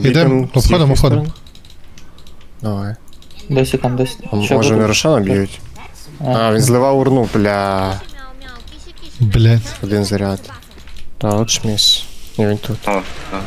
Ідем, обходимо. Давай. Досі там, досі. Ще Може буде. не Рошана б'ють? А, він зливав урну, бля. Блять. Один заряд. Та, от шміс. Ні, він тут. О, так.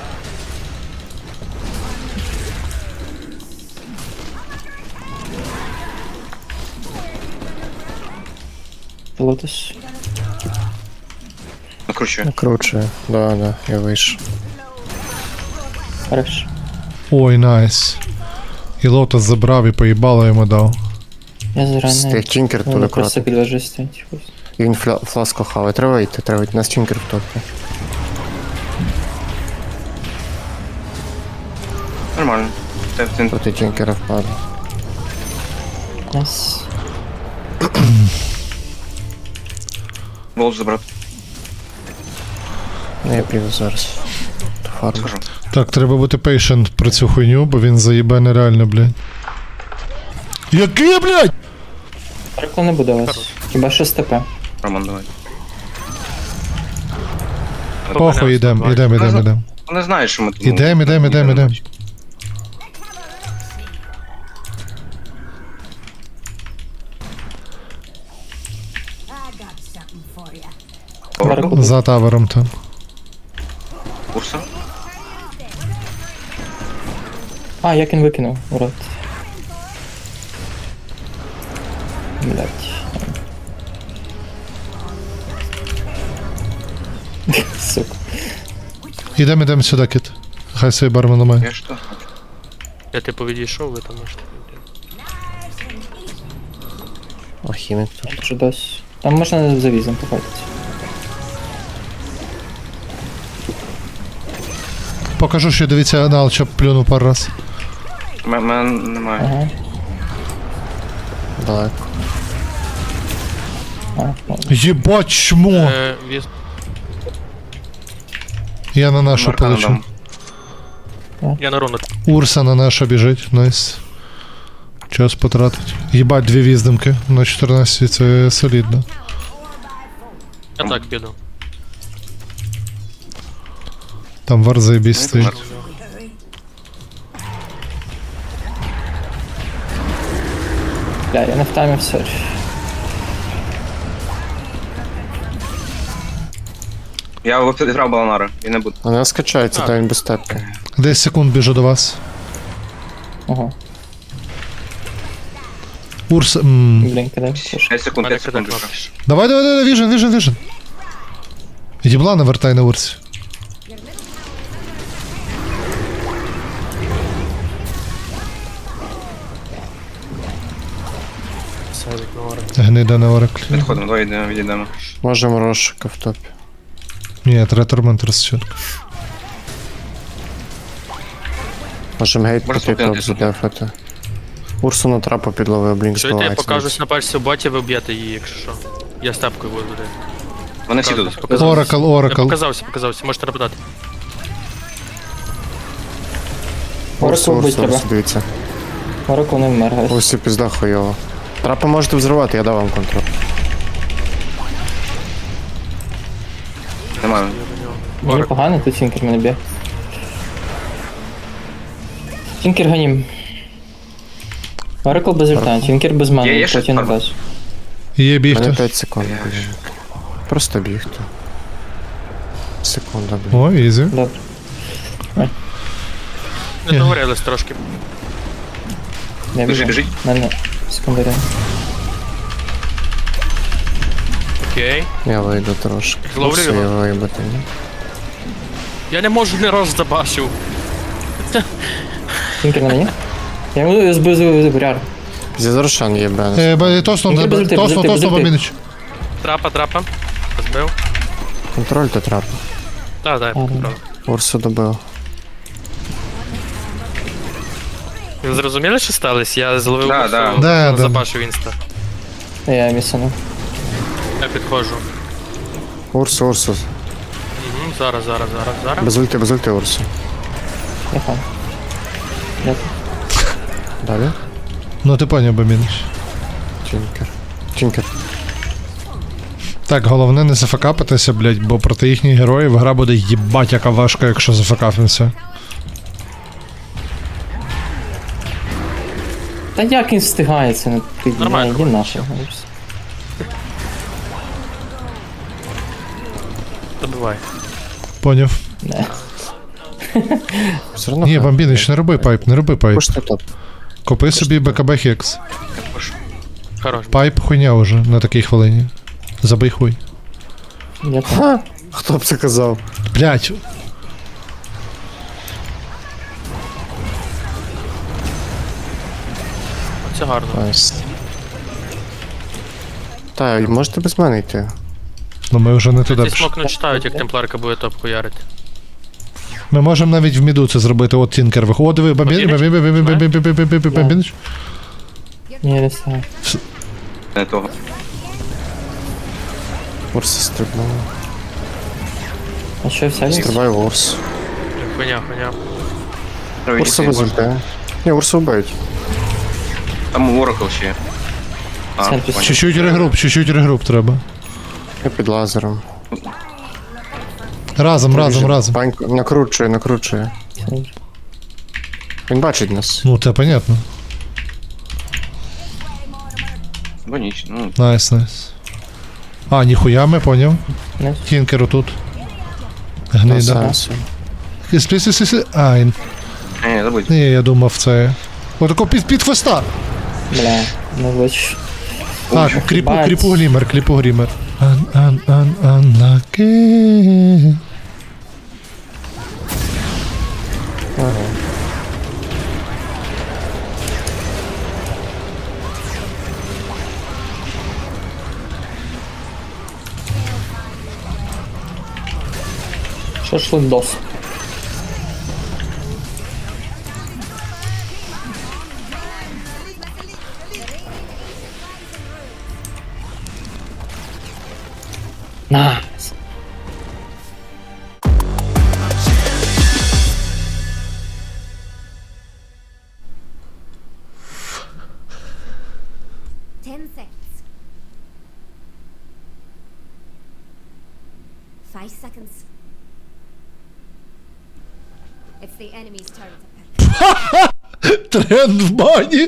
Лотос. Накручує. Накручує. Да, я вийшов. Хорош. Ой, найс. І лотос забрав і поїбало йому дав. Я зараний. Стих Тінкер туди Вони просто акуратно. під вежею стоять. І він фласку хаває. Треба йти. Нас Тінкер в топі. Нормально. Ти Проти Тінкера впаде. Найс. волос забрати. Ну, я піду зараз. До фарму. Скажу. Так, треба бути patient про цю хуйню, бо він заїбе нереально, блядь. Який, блядь? Перекла не буде у вас. Хіба що з ТП. Роман, давай. Похуй, ідем. Вони знають, що ми тут. Ідем. Перекла. За тавером там. Курса? А, як він викинув, урод. Блять. Сука. Ідем сюди, кіт. Хай свій бармен ламає. Я що? Я типу відійшов, ви там можете. О, хімік тут. Що досі. Там можна за візом походити. Покажу, що дивіться анал, щоб плюнув пару раз. Мене немає. Ага. Далеко. А, Єбать, чмо! Віз... Я на нашу Марка полечу. надам. Я на руну. Урса на нашу біжить, найс. Час потратить. Єбать, 2 віздимки на 14, це солідно. Я так піду. Там вар заєбісь стоїть. бля, я не втаймив, сорі. Я відправ Баланара, і не буду. Вона скачається, та він без тепки. 10 секунд біжу до вас. Ого. Урс. Блін, кидай. 5 секунд, Мене 5 секунд. кидать лише. Давай, віжен. Єбла навертай на урсі. Савік на орен. Гнида на ораклі. Підходимо, давай відійдемо. Можемо розшука в топі. Ні, треба тормент розчітку. Можемо гейт Може, піти топ спокійно, задефати. Урсу на трапу підловив, блінк Чуєте, я збивається. покажусь на пальці в боті, ви б'єте її, якщо що. Я степкою буду. Вони всі тут. Оракл. Я показався, можете нападати. Урсу, Оракл бить треба. дивіться. Оракл не вмер, гайс. Урсі пізда хуйово. Трапи можете взривати, я дав вам контроль. Немає. Мені погано, тут Тінкер мене б'є. Тінкер ганім. Оракл без ульта, Тінкер без Є мани, ще потім на фарма? базу. Є У мене бігти. 5 секунд, блін. Просто бігти. Секунда, блін. О, ізі. Добре. Не договорились трошки. Я біжу. Біжить. Мене секундаря. Окей. Я вийду трошки. Зловлю Урсу його. я виїбати, ні? Я не можу ні раз забачив. Тінкер на мені? Я йому збив буряр. Зі Рошан є бенес. Тосно, Ні, без ульти, без ульти. бомінич. Трапа. Збив. Контроль то трапи. Так, я поправив. Урсу добив. Ви зрозуміли, що сталося? Я зловив Да, Урсу, да. Да. забачив інста. Я місану. Я підходжу. Урсу. Угу, зараз. Без ульти Урсу. Я хан. Я Далі. Ну ти поняв, бомінич. Тінкер. Так, головне не зафакапитися, блядь, бо проти їхніх героїв гра буде їбать яка важка, якщо зафакапимося. Та як він встигає це на Нормально, він наше. Добивай. Поняв. Не. Все одно. Ні, Бамбінич, не роби пайп, не роби пайп. Пушти топ. Купи собі БКБ Хекс. Хорош. Пайп хуйня уже на такій хвилині. Забий хуй. Я так. Хто б це казав? Блять. Це гарно. Найс. Та, і можете без мене йти. Ну ми вже не туди Ці пішли. смок не читають, як темпларка буде топ хуярити. Ми можемо навіть в міду це зробити. От Тінкер виходить. О, диви, Бамбінич. Ні, не встигаю. Не того. Урса стрибнув. А що вся Стрибай в Урс. Хуйня, хуйня. Треба Урса йти. без ульти. Ні, Урсу вбивають. Там Оракл ще. А, Центр. понял. Чуть-чуть регруп треба. Я під лазером. Разом. Панько накручує. Він бачить нас. Ну, це понятно. Бо ніч, ну, Найс. А, ніхуя ми, поняв. Не. Тінкер отут. Та Гнида. сенсу. Ай, не, забудь. ні, я думав це. Отако під хвоста. Бля, не бачу. А, бать. кліпу грімер. Unlucky. Шашлындос. Найс. Ten seconds. 5 seconds. It's the enemy's turn to pick. Тренд в бані.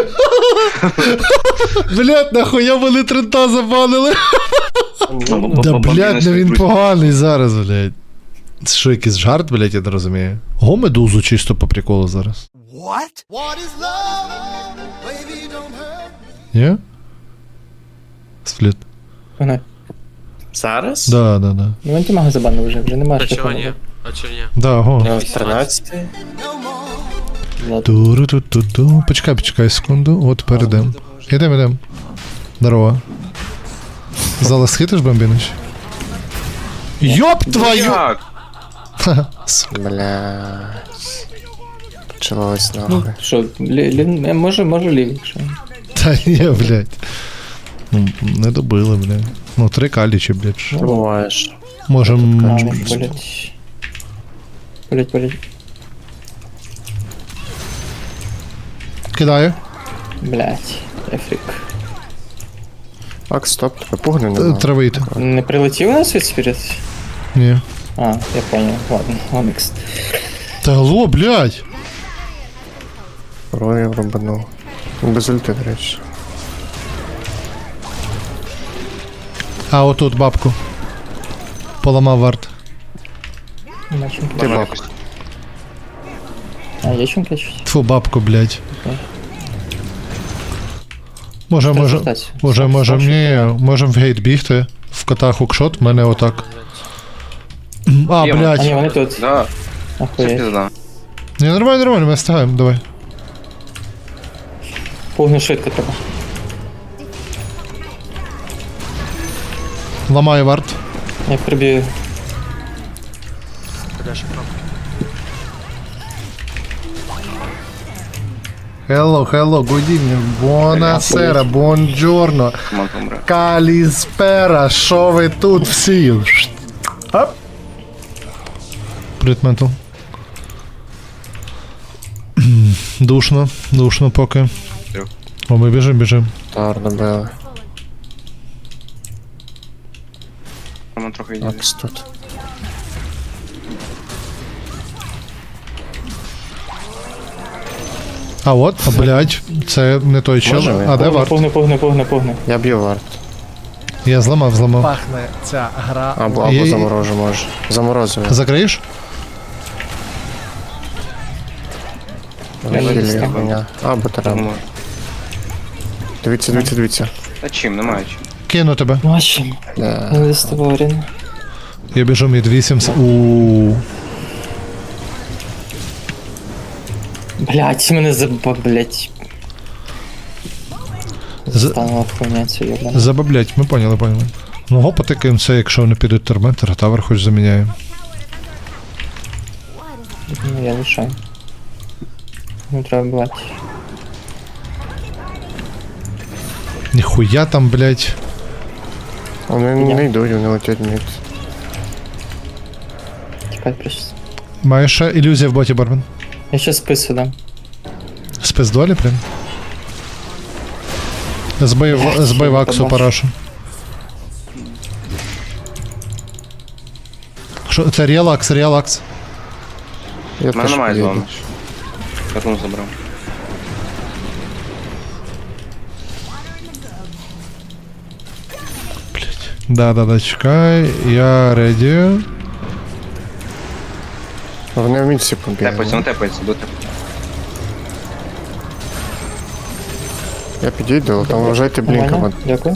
Блять, нахуя вони трента забанили? Да, блять, ну він поганий зараз, блять. Це що, якийсь жарт, блять, я не розумію. Го медузу чисто по приколу зараз. Ні? Спліт. Погнали. Зараз? Да. Ну антимага забанив вже немає. А що чого ні? робити. А чого ні? Да, го. 13. Ладно. Туру-ту-ту-ту. Почекай секунду, от перейдем. Ідем. Здорово. Зараз хитиш, Бамбінич? Йоп твою! Як? Бля. Почалось Ну, нахуй. що, може лівий, якщо. Та ні, блядь. Ну, не добили, блядь. Ну, 3 калічі, блядь. що? Буваєш. Можем... Болять. Кидаю. Блять, ефрик. Так, стоп, тебе пугни нема. Треба йти. Не прилетів у нас від спірит? Ні. А, я понял. Ладно, Омікс. Та алло, блядь. Рорів рубанув. Без ульти, до речі. А, отут бабку. Поламав варт. Нема чумки. Ти бабка. А, є чумки чуть? Тьфу, бабку, блядь. Можем, можем в гейт бігти. В кота хукшот, в мене отак. А, Є, А, ні, блядь. вони тут. Да, це Охуєть. пізда. Ні, нормально, ми встигаємо, давай. Пугну швидко треба. Ламаю варт. Я приб'ю. Куди ще кнопки? Hello, good evening. Buonasera, buongiorno. Команд помре. Каліспера, що ви тут всі? Оп. Привіт, ментал. Душно поки. Трьох. О, ми біжим. Тар добили. Команд трохи йде. Акс тут. А от, блядь, це не той чел. Може, А де варт? Погни. Я б'ю варт. Я зламав. Пахне ця гра. Або Є- заморожу, може. Заморозив. Закриєш? Я не хілю, дістав. хуйня. Або треба. Тому- Дивіться. Та чим, немає чим. Кину тебе. Бачимо. Да. Не доставав Рін. Я біжу мід 8. Ууу. Блять, мене блять. З- Станула хуйня цю йобана. Забаблять, ми поняли. Ну го потикаємо це, якщо вони підуть терментер, тавер хоч заміняємо. Ну, я лишаю. Ну, треба бувати. Ніхуя там, блядь. Вони не йдуть, вони летять мід. Тікай прийшли. Маєш ще ілюзія в боті, Бармен? Я ще спису дам. Спис долі, прям. Збий ваксу парашу. Що, це релакс. Я У мене теж немає з поїду. вами. Катун забрав. Да, чекай, я реді. Вони в місці побігли. Тепається, ну тепається, до Я підійду, там вважайте блінком. Нормально? Дякую.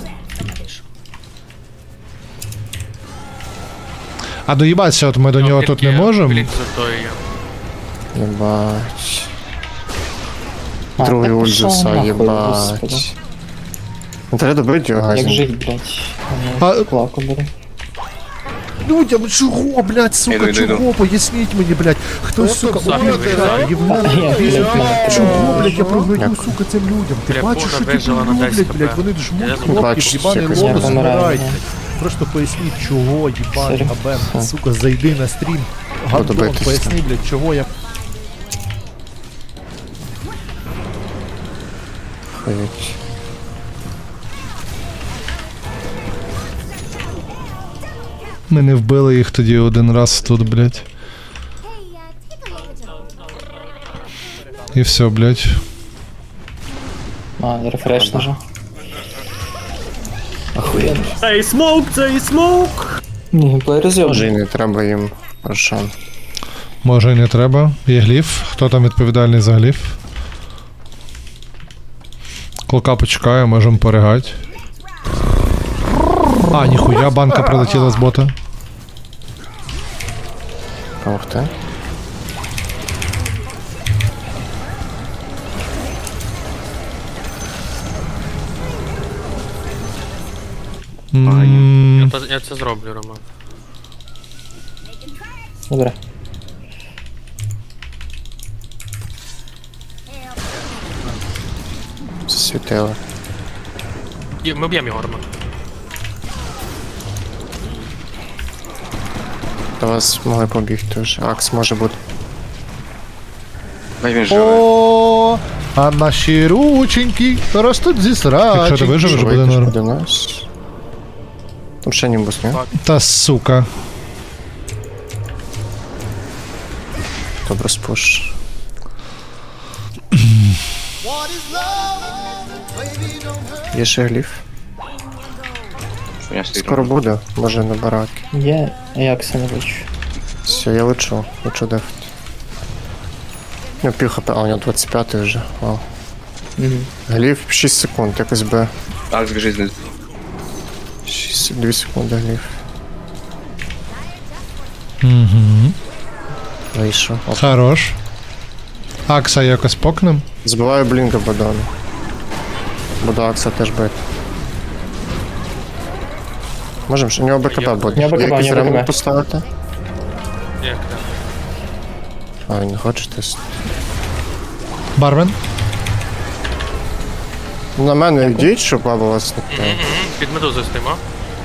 А доїбатися, от ми до нього тут не можемо. Блін, за то я. Єбать. А, Другий так ульт пішов заса, нахуй, господи. єбать. Ну треба добити його, Як газін. жить, блять. А- Плаку беру. Людям чого, блядь, сука, Іду. чого? Поясніть мені, блядь. Хто, сука, Захід виїжджає. Чого, блядь, я прогною, сука, цим людям? Ти Бля, бачиш, Бога що ті вижила на люблять, 10 блядь, хп. вони Я жмуть забув. кнопки, Бачиш, їбаний якось я лобус помираю, збирають. ні. Просто поясніть, чого, їбаний Сорі. абен, сука, зайди на стрім. Гандон, битись. поясни, блядь, чого я... Ходять. Ми не вбили їх тоді один раз тут, блядь. Hey, take a look at your І все, блядь. А, рефреш нажав. Цей смоук, цей смоук! Ні, геймплей Може розйобаний. і не треба їм рошан. Може і не треба. Є гліф. Хто там відповідальний за гліф? Клока почекає, можемо поригати. А, ніхуя, банка прилетіла з бота. Помогти? Я це зроблю, Рома. Добре. Засвітили. Ми б'ємо його, Рома. До вас могли побігти вже. Акс може бути. Дай він живе. О, а наші рученьки ростуть зі срачі. Якщо ти виживеш, буде Вийдеш норм. до нас. Там ще німбус, ні? Та сука. Добре спуш. Є ще гліф. Хуйня стоїть. Скоро буде, може на бараки. Є, а як це не бачу. Все, я лечу дефать. Ну, пів хп, а у нього 25 вже. Вау. Гліф 6 секунд, якось би. Так, збіжить знизу. 2 секунди гліф. Угу. Вийшов. Оп. Хорош. Акса якось покнем. Збиваю блінка Бадону. Буду Акса теж бити. Можем, що у нього БКБ буде. У нього БКБ, Є якийсь у нього ремонт БКБ. поставити? Як так? А, він не хоче тест. Бармен. На мене йдіть, щоб баба вас не питає. Під медузою стоїмо.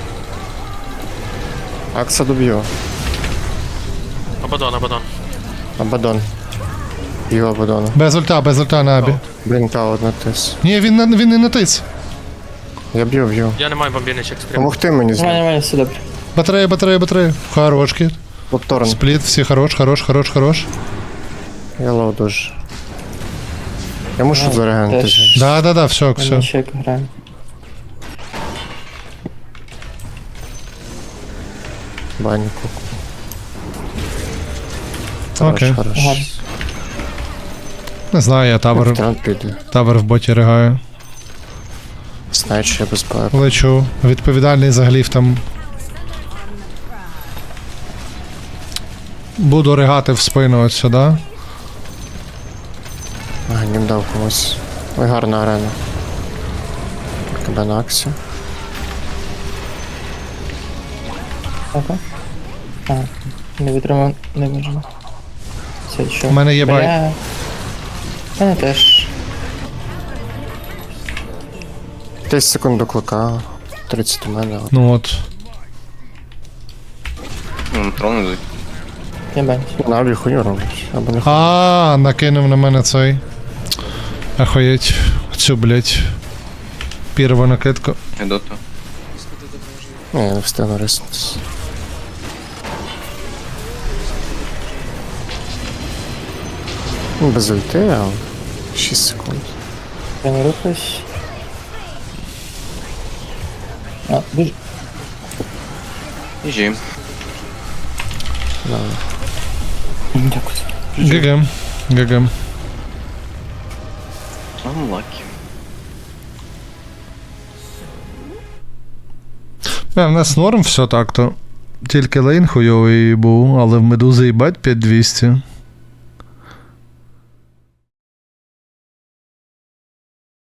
Акса доб'ю. Абадон. Абадон. Його Абадона. Без ульта на абі. Блінка одна тис. Ні, він не натис. Я б'ю. Я не маю бомбіничок стрім. Помогти мені з ним. Нормально, все добре. Батарея. Хорош, кіт. Лопторн. Спліт, всі хорош. Я лоу дуже. Я мушу зарегенити. теж. Да, все, все. Ми ще як граємо. Баньку. Окей. Хорош. Гарно. Не знаю, я табор, Трент піде. табор в боті ригаю. Знаю, що я без пар. Лечу. Відповідальний за гліф там. Буду ригати в спину от сюди. Ага, нім дав комусь. Ой, гарна арена. Тебе на аксі. Ага. А, не витримав, не можна. Це що? У мене є бай. Бля. У мене теж. 10 секунд до клика. 30 у мене. Ну от. Ну, трон йдуть. Я бачу. Наві хуйню робить. Або не хуйню. А, накинув на мене цей. Охуєть. Цю, блять. Перву накидку. Йду то. Ні, я не встигну риснутися. Без ульти, але 6 секунд. Я не рухаюсь. А, дуже. Іжі. Дякую. ГГ. ГГ. Unlucky. В нас норм все так-то. Тільки лейн хуйовий був, але в медузи їбать 5200.